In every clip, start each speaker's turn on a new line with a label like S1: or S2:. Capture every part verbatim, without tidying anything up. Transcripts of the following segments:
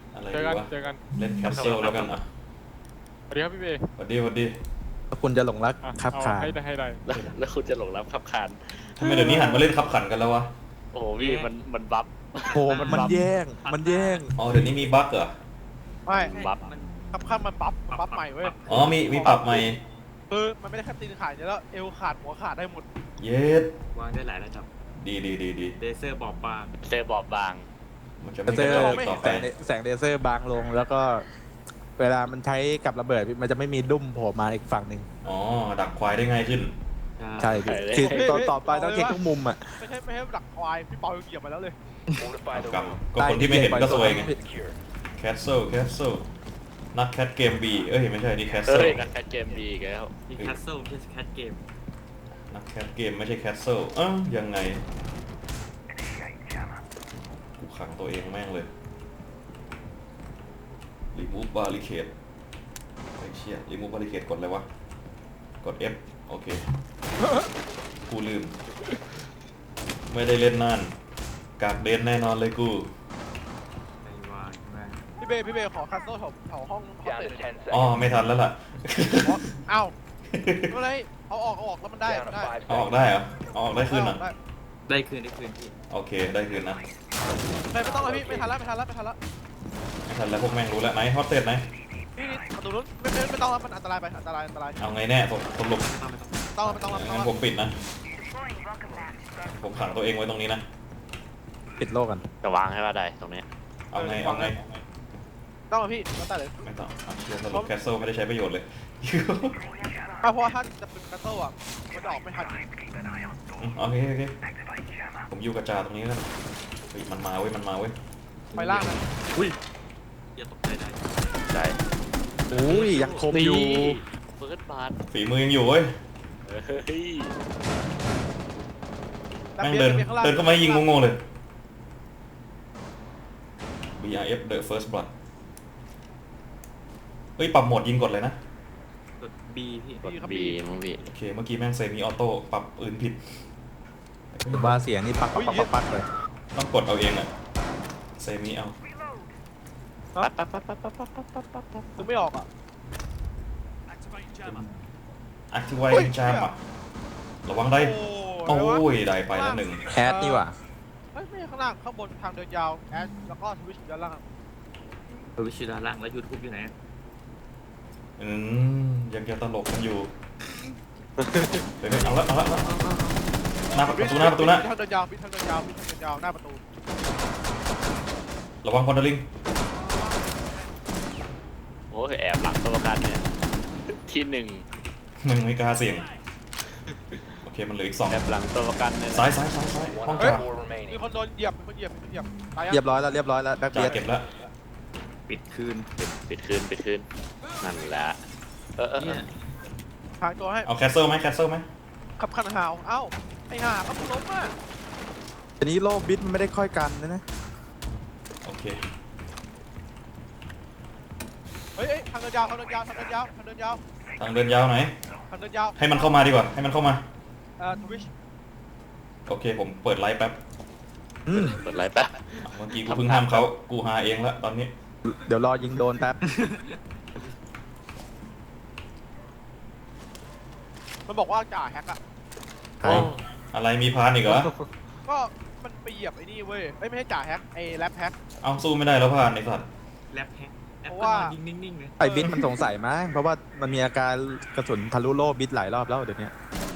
S1: อะไร
S2: เจอ
S1: ดี
S2: กัน
S1: วะ
S2: เจอกัน
S1: เล่นแคปซูลแล้วกันอ่ะ
S2: สวัสดีครับพี่เบย์
S1: สวัสดีสวัสดี
S3: ถ้าคุณจะหลงรัก
S2: อ่ะ
S3: ครับ
S2: เอา
S3: ขา
S2: ให้ได้ให้ได้
S4: แล้วแล้วคุณจะหลงรับขับคาน
S1: ทำไมเดี๋ยวนี้หันมาเล่นขับขันกันแล้ววะ
S4: โอ้โหพี่มันมันบัฟ
S3: โอ้มันมันแย่ง มันแย่ง
S1: อ๋อเดี๋ยวนี้มีบั๊กเหรอ
S5: ไม่
S4: บัฟ
S5: ขับข้ามมันบัฟบัฟใหม่เว้ย
S1: อ๋อมีมีปรับใหม่
S5: คือมันไม่ได้แค่ตีนขาดแล้วเอวขาดหัวขาดได้หมด
S1: เย็ด
S6: วางได้หลายระดับ
S1: ดีดีดีดี
S6: เลเซอร์บอบบาง
S4: เซอร์บอบบาง
S1: มันจะ
S3: เล
S1: ไม่
S3: เซ
S1: ก
S3: อ
S1: ระ
S3: ร์
S1: จอกต่อไป
S3: แสงแสงเลเซอร์บางลงแล้วก็ เวลามันใช้กับระเบิดมันจะไม่มีดุ้มโผล่มาอีกฝั่งหนึ่ง
S1: อ๋อดักควายได้ง่ายขึ้น
S3: ใช่พี่คือตอนต่อไปต้องเช็คทุกมุมอ่ะ
S5: ไม่ใช่ไม่ใช่ดักควายพี่เปาเหยียบมาแล้วเลย
S1: กับก็คนที่ไม่เห็นก็ซวยไงแคสเซิลแคสเซิลนักแคทเกมบีเอ้ยไม่ใช่นี่แคส
S4: เฮ้
S1: เซิล
S4: ยนักแคทเกมดีอีกแล้ว
S6: นี่แคสเซิลไม่ใช่แคทเกม
S1: นักแคทเกมไม่ใช่แคสเซิลเอ้ายังไงกูขังตัวเองแม่งเลยรีมูฟบาริเคดไอ้เชี่ยรีมูฟบาริเคดกดอะไรวะกด F โอเคกูลืมไม่ได้เล่นนานกากเดนแน่นอนเลยกู
S6: ไอวางใช่ไหม
S5: พี่เบย์พี่เบย์ขอคัสโซ่แถวแถวห้องห้องเตะ
S1: อ๋อไม่ทันแล้วล่ะ
S5: เอ้าอะไรเอาออกเอาออกแล้วมันได้มันได้
S1: เอาออกได้เหรอเอาออกได้คืนเหรอ
S5: ได้
S6: ได้คืนได้คืนพี่
S1: โอเคได้คืนนะ
S5: ไม่ไม่ต้องเลยพี่ไม่ทันแล้วไม่ทันแล้วไม่ทันแล้ว
S1: ไม่ทันแล้วพวกแม่งรู้แล้วไหนฮอตเตสไหน
S5: นี่นี่ประตูนู้นไม่ไม่ไม่ต้องแล้วมันอันตรายไปอันตรายอันตราย
S1: เอาไงแน่สสรุป
S6: ไม่ต้องไม่ต้อง
S5: ต้องไม่ต้องไม่ต้อ
S1: งั้
S5: ง
S1: นผมปิดนะผมขังตัวเองไว้ตรงนี้นะ
S3: ปิดโลกกัน
S4: จะวางให้ว่าได้ตรงนี้
S1: เอาไงเอาไง
S5: ต้องพี่แล้วแต่เลย
S1: ไม่ต้องเอาเชียร์สรุปแคสเซิลไม่ได้ใช้ประโยชน์เลย
S5: เพราะว่าถ้าจะเป็นคัสโซ่อะมันจะออกไม่ทัน
S1: อืมโอเคโอเคผมอยู่กระจาตรงนี้แล้วเฮ้ยมันมาเว้ยมันมาเว้ย
S5: ไปล่างนะ
S6: อย่าตกใจได้
S4: ใจ
S3: อุ้ยยังคมอยู่
S4: เฟิร์สบาร์
S1: ฝีมือยังอยู่เว้ย
S4: เฮ้ย
S1: แม่งเดินเดินเข้ามายิงงงๆเลย บี อาร์ เอฟ The First Blood เฮ้ยปรับโหมดยิงกดเลยนะ
S6: กด B พี่
S4: กดบีมั้งพี่
S1: โอเคเมื่อกี้แม่งเซมิออโต้ปรับปืนผิด
S3: ว่าเสียงนี่ปักปักปักปักปักเลย
S1: ต้องกดเอาเองอะเซมิเอา
S4: ปั๊บปั๊บปั๊บปั๊บปั๊บปั๊บปั๊บปั๊บปั๊บปั๊บ
S5: คือไม่ออกอ่ะ
S1: Activate Jam อะระวังได้
S5: โอ้
S1: โอ้
S5: โห
S1: ยได้ไปแล้วหนึ่ง
S3: แอดนี่หว่า
S5: เฮ้ยไม่ใช่ข้างล่างข้างบนทางเดินยาวแอชแล้วก็ทวิชด้านล่าง
S6: ตัววิชิดาล่างแล้วยูทูบอยู่ไหน
S1: อืมยังจะตลกกันอยู่เดี๋ยวเอาละเอาละเอาละหน้าประตูหน้าประตูหน้า
S5: ทางเดินยาวมีทางเดินยาวมีทางเดินยาวหน้าประตู
S1: ระวังพอนเดอร์ลิง
S4: โอ้ยแอบหลังตัวประกันเนี่ยที่หนึ่ง
S1: มึงไม่กล้าเสี่ยงโอเคมันเหลืออีกสอง
S4: แอบหลังตัวประกันเนี่ย
S1: ซ้ายซ้ายซ้ายซ้ายห้องจ่า
S5: มีคนโดนเหยียบมีคนเหยียบมีคนเหยียบตายยัง
S3: เรียบร้อยแล้วเรียบร้อยแล้วแบ็ค
S1: จ่า
S3: เบียด
S1: เก็บแล้ว
S6: ปิดคืน
S4: ปิดคืนปิดคืนนั่นแหละเออเออเอ
S6: เนี่
S4: อย
S5: ทางตัวให้
S1: เอาแคสเซิลไหมแคสเซิลไหม
S5: ขับคันหาวเอ้าไอ้ห่าเขาล้มอ่ะ
S3: ทีนี้โลกบิดมันไม่ได้ค่อยกันนะนะ
S1: โอเค
S5: เฮ้ยทางเดินยาวทางเดินยาวทางเดินยาวทางเดินยาว
S1: ทางเดินยาวไหน
S5: ทางเดินยาว
S1: ให้มันเข้ามาดีกว่าให้มันเข้ามา
S5: เอ่อทวิช
S1: โอเคผมเปิดไลฟ์แป๊บ
S3: อืม
S4: เปิดไลฟ์แป๊บ
S1: เมื่อกี้กูเพิ่งห้ามเขากูหาเองละตอนนี้
S3: เดี๋ยวรอยิงโดนแป๊บ
S5: มันบอกว่าจ่าแฮกอ่ะ
S3: ใคร
S1: อะไรมีพานอีกเหรอ
S5: ก็มันไปเหยียบไอ้นี่เว้ยเอ้ยไม่ใช่จ่าแฮกไอ้แรปแฮก
S1: เอาสู้ไม่ได้แล้วพานไอ้สัตว์
S6: แลบแฮกแอป
S5: เพราะ
S6: ก็
S5: ว่า
S6: นอนนิ่งๆเลย
S3: ไอ้บิดมันสงสัยมั้งเพราะว่ามันมีอาการกระสุนทะลุโลกบิดหลายรอบแล้วเดี๋ยวนี้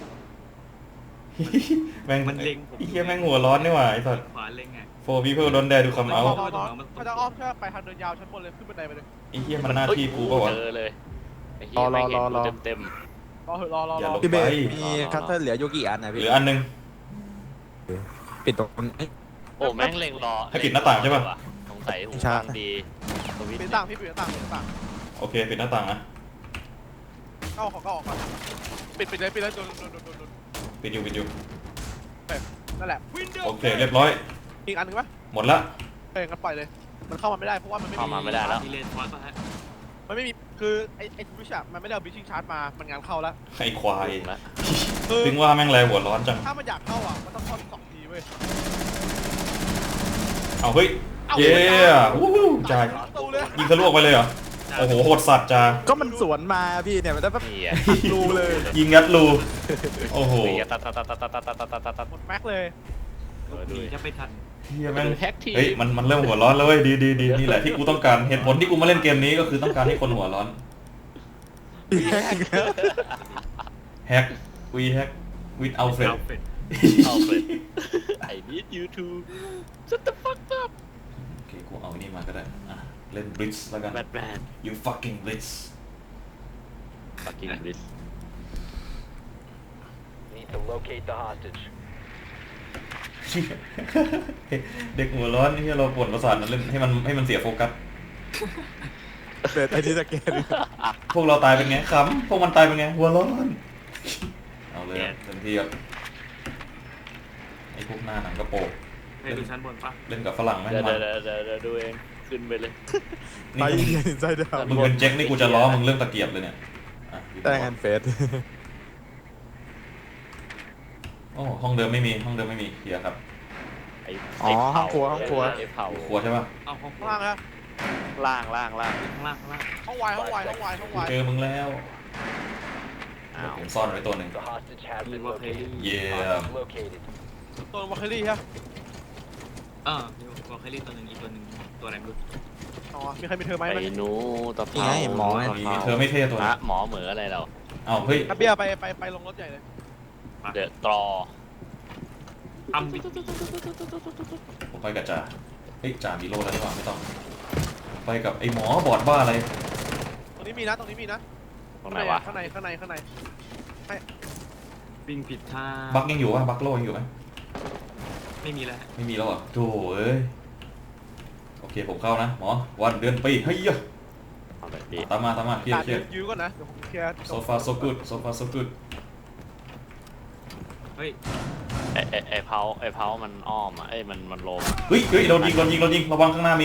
S1: แม่ง
S6: มันเล็งผม
S1: ไอ้เหี้ยแม่งหัวร้อนนี่หว่าไอ้สัตว์
S6: ขวาเล็งอ่ะ
S1: โฟร์พีเพิลโดนแดดูคำเอา
S5: พอพอพอถ้าจะอ้อมแค่ไปทางเดินยาวชั้นบนเลยขึ้นบันไดไปเลย
S1: ไอ้เหี้ยมันหน้าที่กูเปล่าวะ
S4: เจอเลยไอ้เหี้ยไม่เห็นกูเต็มเต็ม
S5: รอเหอะรอรอ
S1: อย่าร
S5: อ
S1: ลบ
S3: พี่เบย์
S1: ไป
S3: มีคัตเตอร์เหลืออยู่กี่อันนะ
S1: เห
S3: พี่
S1: ลืออันหนึง
S3: ปิดตรงนี้
S4: โอ้แม่งเล็งรอ
S1: ให้ปิดหน้าต่างใช่ปะ
S4: สงสัยหู
S3: ใช่
S4: ฟังดีสวิตช์
S5: ปิดต่างพี่ปิดต่างปิดต่าง
S1: โอเคปิดหน้าต่างนะ
S5: เข้าเขาก็ออกมาปิดปิดเลยปิดเลยโดนโดนโดนโดนโดน
S1: ปิดอยู่ปิดอยู่
S5: นั่นแหละ
S1: โอเคเรียบร้อย
S5: อีกอันหนึงปะ
S1: หมดละ
S5: เอ้ยงั้นปล่อยเลย มันเข้ามาไม่ได้เพราะว่ามันไม่
S4: เข้ามาไม่ได้แล้ว
S6: มีเลนทอสป่ะฮะ
S5: มันไม่มีคือไอ้ไอ้ทวิชอะมันไม่ได้เอาบิชชิ่งชาร์จมามันงานเข้าแล้ว
S1: ไอ้ควาย
S4: ละ
S5: คือ
S1: ถึงว่าแม่งแรงหัวร้อนจัง
S5: ถ้ามันอยากเข้าอ่ะมันต้องเข้าสองทีเว้ย
S1: เอาเฮ้ย เย้วู้ฮู้จ่าย
S5: ตูน
S1: ยิงทะลุออกไปเลยเหรอ โอ้โหโหดสัตว์จ้า
S3: ก็มันสวนมาพี่เนี่ยมันจะแบบ
S4: นี่อ่ะ
S3: รูเลย
S1: ยิงยัดรูโอ้โห
S4: นี่อ่ะตัดตัดตัดตัดตัดตัดตัดตัดตัดตัด
S5: หมดแม็กเลย
S4: เออ
S6: ห
S4: ดู
S6: นี
S4: ดิ
S6: แทบไม่ทัน
S1: เฮียแม่ง
S4: แฮกทีม
S1: เฮ้ยมันมันเริ่มหัวร้อนแล้วเว้ยดีดีดีนี่แหละที่กูต้องการเหตุผลที่กูมาเล่นเกมนี้ก็คือต้องการให้คนหัวร้อนแฮกวีแฮกวิดอัลเฟรด
S6: เอาเป็ด
S4: เอาไป I need you to shut the fuck up
S1: โอเคกูเอานี่มาก็ได้อ่ะเล่นบลิทซ์แล้วกัน
S4: Batman
S1: you fucking blitz
S4: fucking bitch
S7: Need to locate the hostage.
S1: เด็กหัวร้อนที่เราปวดประสาทมันเล่นให้มันให้มันเสียโฟกัส
S3: เปิดไอที่สแกน
S1: พวกเราตายเป็นไงขำพวกมันตายเป็นไงหัวร้อนเอาเลยเต็มที่ครับไอ้พวกหน้าหนังกระโปรง
S6: ให้ดูชั้นบนปะ
S1: เล่นกับฝรั่งแม่ง
S4: เดี๋ยว
S1: มัน
S4: เดี๋ยวเดี๋ยวเดี๋ยวดูเองขึ้นไปเลย
S3: ไป
S1: นี่
S3: ยิงใจดาว
S1: มึงเป็นแจ็คนี่กูจะล้อมึงเรื่องตะเกียบเลยเนี่ยอ่ะ
S3: แต่งงานเฟส
S1: โอ้ห้องเดิมไม่มีห้องเดิมไม่มีเคลียร์ครับ
S4: ไอ้
S3: อ๋อห้องครัวห้องครัว
S4: ไอ้เผา
S1: ครัวใช่ป่ะ
S6: เอาห้อง
S5: ข้างล่างครับ
S4: ล่างล่างล่าง
S6: ข้างล่างข้างล่าง
S5: ห้องวายห้องวายห้องวายห้อง
S1: กู
S5: วาย
S1: เจอมึงแล้ว
S4: อ้าว
S1: ผมซ่อนไว้ตัวหนึ่ง
S7: The hostage has been located.
S1: Yeah.
S7: Hostage located.
S5: ตัววอลเคอรี่ฮะ
S6: เออมีวอลเคอรี่ตัวหนึ่งอีกตัวหนึ่งตัวอะไรไม่รู้
S5: อ๋อมีใครมีเธอไหม
S4: ไอ้
S5: มัน
S4: หนูตะเภา
S3: นี่ไงหมอไง
S1: มีเธอไม่เท่ตัว
S4: ฮะ
S1: นี้
S4: หมอเหมืออะไรเรา
S1: เอ้าเฮ้ย
S5: นับเบียร์ไปไปไปลงรถใหญ่เลย
S4: เดอะตรอ
S6: อัมบิด
S1: ผมไปกับจ่าเฮ้ยจ่ามีโล่แล้วดีกว่าไม่ต้อง ไปกับไอ้หมอบอดบ้าอะไร
S5: ตรงนี้มีนะตรงนี้มีนะ
S4: ตรงไหนวะ
S5: ข้างในข้างในข้างใน
S6: วิ่งผิดท่า
S1: บักยังอยู่ป่ะบักโล่ยังอยู่ไหม
S6: ไม่มีแล้วฮะ
S1: ไม่มีแล้วเหรอ่ะโถ่เอ้ยโอเคผมเข้านะหมอวันเดือนปีเฮ้ยเหี้ย
S4: เอาเลยพี่
S1: ตามมาตามมาเคลีย
S5: จ่า
S1: ร์เคลียร์
S5: ยื้อก่อนนะเดี๋ยวผมเคลียร์
S1: so far so good so far so good
S6: เฮ้ย
S4: ไอ้ไอ้ไอ้เผาไอ้เผามันอ้อมอ่ะเอ้ยมันมันโลมอะ
S1: เฮ้ยเฮ้ยโดนยิงโดนยิงโดนยิงระวังข้างหน้ามี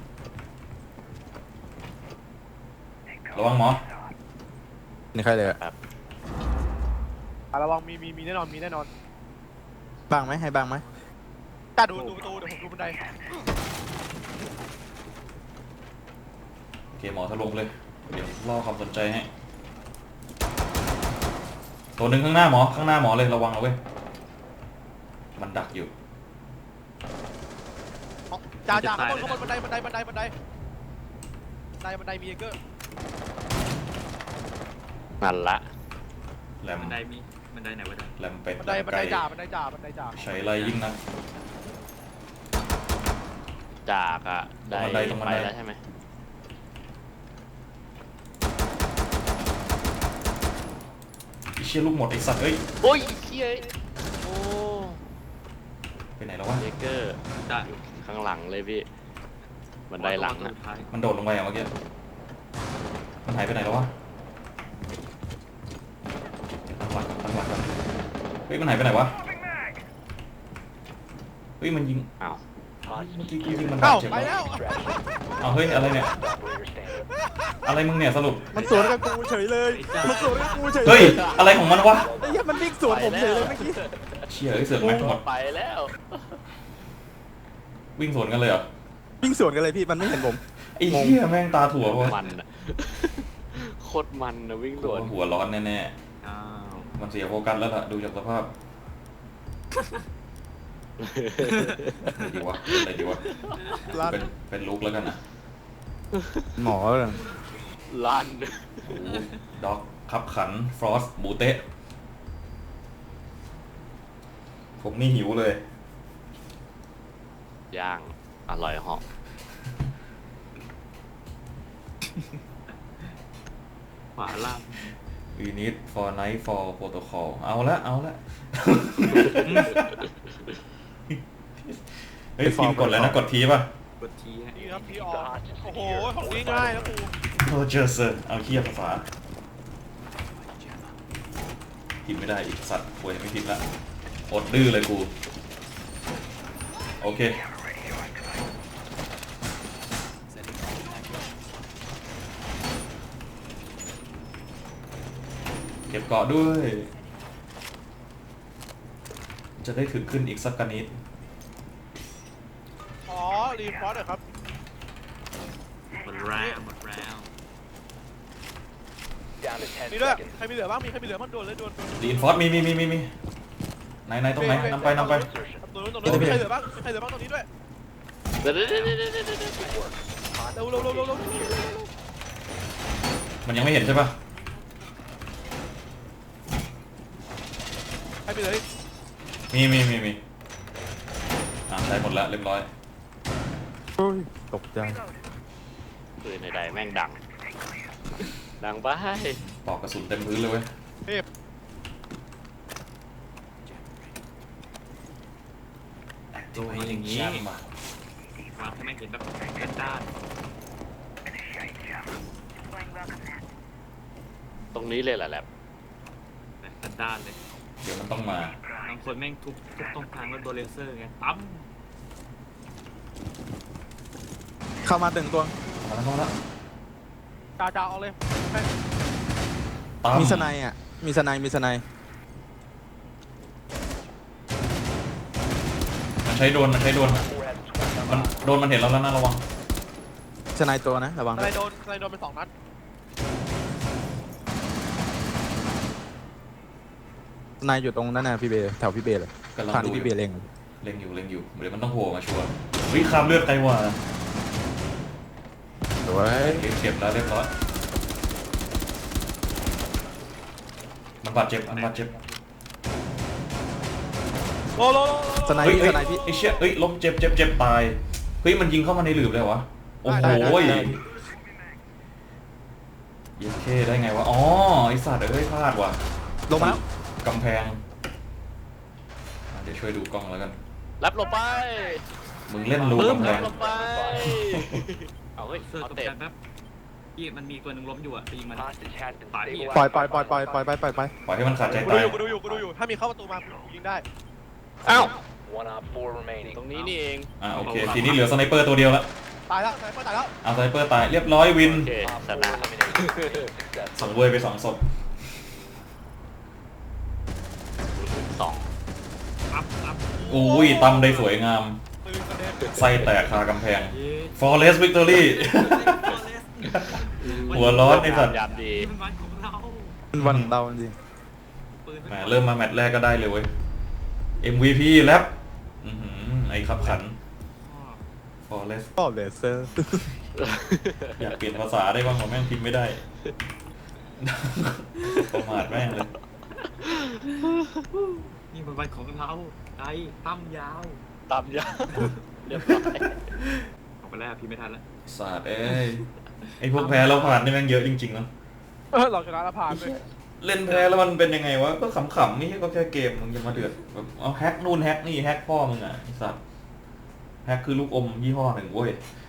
S1: ระวังหมอ
S3: นี่ใครเลยอะ
S5: อ่ะระวังมีมีมีแน่นอนมีแน่นอน
S3: บ้างไหมให้บ้างไหม
S5: จ่าดูดูประตูเดี๋ยวผมดูบันได
S1: โอเคหมอทะลงเลยเดี๋ยวล่อความสนใจให้ตัวหนึ่งข้างหน้าหมอข้างหน้าหมอเลยระวังเอาเว้ยมันดักอยู่
S5: อ๋อจ่าจ่าข้างบนข้างบนบันไดบันไดบันไดบันไดบันไดบันไดมีเอเกอร์
S4: นั่นละ
S1: แหลม
S6: บันไดมีบันไดไหนบันได
S1: แหลมเป็ด
S5: บัน
S1: แหล
S5: ได
S1: ม
S5: บันได
S1: ไก่
S5: จ่าบันไดจ่าบันไดจ่า
S1: ใช้ไรยิ่งนัก
S4: จากอ่ะ
S1: ตรงบันไดตรงบันได
S4: ไปแล้วใช่ไหม
S1: ไอ้เชี่ยลูกหมดไอ้สัตว์เอ้ย
S4: โอ้ยเชี่ยโอ้
S1: ไปไหนแล้ววะ
S4: เจเกอร์
S6: จ่า
S4: ข้างหลังเลยพี่บันไดหลัง
S6: ตัว
S4: อ่ะ
S6: สุดท้าย
S1: มันโดดลงไปอ่ะเมื่อกี้มันหายไปไหนแล้ววะตั้งหลักก่อนตั้งหลักก่อนเฮ้ยมันหายไปไหนวะเฮ้ยมันยิง
S4: อ้าว
S7: Hostage
S1: เมื่อกี้กูยิง
S7: secured.
S1: มัน
S5: เอ้า
S1: บาดเจ็บ
S5: ไป
S1: แล้ว
S5: แล้ว
S1: เอาเฮ้ยอะไรเนี่ย
S7: Operator standing.
S1: อะไรมึงเนี่ยสรุป
S3: มันสวนกับกูเฉยเลยมันสวนกับกูเฉยเล
S1: เฮ้ย
S3: ย
S1: อะไรของมันวะ
S3: ไอ้เหี้ยมันวิ่งสวนผมเฉยเลยเมื่อกี้
S1: เชี่ยเอ้ยเสือกแม็กหมด
S4: ไปแล้ว
S1: วิ่งสวนกันเลยเหรอ
S3: วิ่งสวนกันเลยพี่มันไม่เห็นผม
S1: ไอ้เหี้ยแม่งตาถั่ววะ
S4: มันอะโคตรมันนะวิ่งสวน
S1: หัวร้อนแน่
S6: อ้าว
S1: ๆมันเสียโฟกัสแล้วล่ะดูจากสภาพอะไรดีวะเป็นอะไรดีวะ
S3: ลั่น
S1: เป็นเป็นลุกแล้วกันนะ
S3: หมอเลย
S4: ลั่น
S1: โอ้โหด็อกขับขัน ฟรอสบูเตะ ผมนี่หิวเลย
S4: ย่างอร่อยเหาะ
S6: ขวาล่าง
S1: We need for night for protocol เอาละเอาละ เฮ้ยพิมพ์กดแล้วนะ กดทีป่ะ
S6: กดทีฮะ
S5: นี่ครับพี่ออกโอ้โหของนี้ง่ายแล้วกู
S1: โรเจอร์เซอร์เอาเคียภาษาพิมพ์ไม่ได้อีกสัตว์ป่วยไม่พิมพ์ละอดดื้อเลยกู โอเค เก็บเกาะด้วย จะได้ถึงขึ้นอีกสักกันนิด
S5: อ๋อรีฟอร์ดเหรอครับ
S6: มันลแล้วหมดแล้ว
S7: Down to ten
S5: มีด้วย
S7: seconds.
S5: ใครมีเหลือบ้างมีใครมีเหลือบ้างโดนเลยโดนโดน
S1: รีอินฟอร์สมีมีมีมีมีไหนไหนตรงไหนนำไปนำไป
S7: Insertion.
S5: ตรงนู้นตรงนู้นมีใครเหลือบ้างมีใครเหลือบ้างตรงนี้ด้วย
S4: เดี๋ยวเดี๋ยวเดี๋ยวเดี๋ยวเดี๋ยวเดี๋ยว
S7: Good work.
S5: เร็วเร็วเร็วเร็วเร็ว
S1: มันยังไม่เห็นใช่ปะ
S5: ใครมีเหลืออีก
S1: มีมีมีมีอ่าได้หมดแล้วเรียบร้อย
S3: โอ้ยตกใจ
S4: ปืนใดๆแม่งดัง ดังไป
S1: ปอกกระสุนเต็มพื้นเลยเว้ย
S5: เทพ
S6: ตัวมันอย่างนี้
S1: แชมป์ว่ะ
S6: วางให้แม่งเห็นแบบด้านด้าน
S4: ตรงนี้เลยแหละแหละ
S6: ด้านด้านเลย
S1: เดี๋ยวมันต้องมา
S6: บางคนแม่งทุบทุบตรงกลางแล้วโดนเลเซอร์ไงปั๊ม
S3: เข้ามาตึงตัว
S1: มาแล้วมาแล้ว
S5: จ่าจ่าเอาเลยให้
S1: ตาม
S3: มีสไนด์อ่ะ มีสไนด์มีสไนด์
S1: มันใช้โดรนมันใช้โดรน
S7: Four has twenty
S1: มันโดรนมันเห็นเราแล้วนะระวัง
S3: สไนด์ตัวนะระวัง
S5: อะไรโดนอะไรโดนเป็นสองนัด
S3: สไนด์อยู่ตรงนั้นนะพี่เบย์แถวพี่เบย์เลย
S1: กำลัง
S3: ทาง
S1: ดู
S3: ที่
S1: อ
S3: พี่
S1: ยู่
S3: เบย์เล็ง
S1: เล็งอยู่เล็งอยู่เดี๋ยวมันต้องโผล่มาชัวร์เฮ้ยข้ามเลือดใครวะ
S3: สวย
S1: เก็บเก็บแล้วเรียบร้อยมันบาดเจ็บมันบาดเจ็บ
S5: โลโลโล
S3: สไนด์
S1: เฮ้ย
S3: พี่
S1: เฮ้
S3: ส
S1: ย
S3: ไนด์พี่
S1: ไอ้เชี่ยเฮ้ยล้มเจ็บเจ็บเจ็บตายเฮ้ยมันยิงเข้ามาในหลืบเลยวะโอ้โห
S3: ได้ได้ได้
S1: เย็ดเคได้ไงวะอ๋อไอสัตว์เอ้ยพลาดว่ะ
S3: ลงมาแล้ว
S1: กำแพงอ่ะเดี๋ยวช่วยดูกล้องแล้วกัน
S4: รับลงไป
S1: มึงเล่นรู
S4: ปึ๊บ
S1: กำแพ
S4: รับ
S1: ง
S4: ลงไป เอาเฮ้ย
S6: เซอร์
S4: เอา
S6: ตก
S4: เตะ
S6: ใจแป๊บพี่มันมีตัวหนึ่งล้มอยู่อ่ะไปยิงมัน
S7: Hostage has been
S6: Bye.
S7: stabilized.
S3: ปล่อยปล่อยปล่อยปล่อยปล่อยไปปล่อยไป
S1: ปล่อยให้มันขาดใจ
S5: กู
S1: ตา
S5: ดู
S1: ย
S5: อยู่กูดูอยู่กูดูอยู่ถ้ามีเข้าประตูมากูยิงได้
S4: อ้าว
S7: One op four remaining.
S4: ตรงนี้นี่เอง
S1: อ่ะโอเคทีนี้เหลือสไนเปอร์ตัวเดียวละ
S5: ตายแล้วตายแล้วตายแล้ว
S1: เอาสไนเปอร์ตายเรียบร้อยวิน
S4: โอเค
S7: Op
S4: ช
S7: four
S4: นะ
S7: eliminated.
S1: สัง
S7: Successful.
S1: เวยไปสองศพ
S4: สอง
S6: ปั๊บปั๊บ
S1: อุ้ยตำได้สวยงาม
S5: ปืนกระเด็น
S1: ไส้แตกคากำแพง
S6: เย้
S1: Forest Victory หัวร้อนไอ้สัตว์
S4: ยามดี
S6: นี่มันวันของเรา
S3: มันวันของเราจริง
S6: ปืน
S1: แหมเริ่มมาแมตช์แรกก็ได้เลยเว้ย เอ็ม วี พี แรปอื้อหือไอ้ขับขัน Forest
S3: ก็เลเซอร์
S1: อยากเปลี่ยนภาษาได้บ้างผมแม่งพิมพ์ไม่ได้ ประมาทแม่งเลย
S6: นี่มันวันของเราไอ้ตั้มยาว
S4: ตามยาวเรียบร้อย
S6: ออกไปแล้วพี่ไม่ทันแล้ว
S1: ศาสตร์เอ้ย ไอ้พวกแพ้แล้วผ่านนี่แม่งเยอะจริงๆเนาะ
S5: เออเราชนะแล้วผ่านเลย
S1: เล่นแพ้แล้วมันเป็นยังไงวะ ก็ขำๆไม่ใช่ก็แค่เกมมึงจะมาเดือดแบบเอาแฮกนู่นแฮกนี่แฮกพ่อมึงอ่ะไอ้สัตว์แฮกคือลูกอมยี่ห้อหนึ่งเว้ย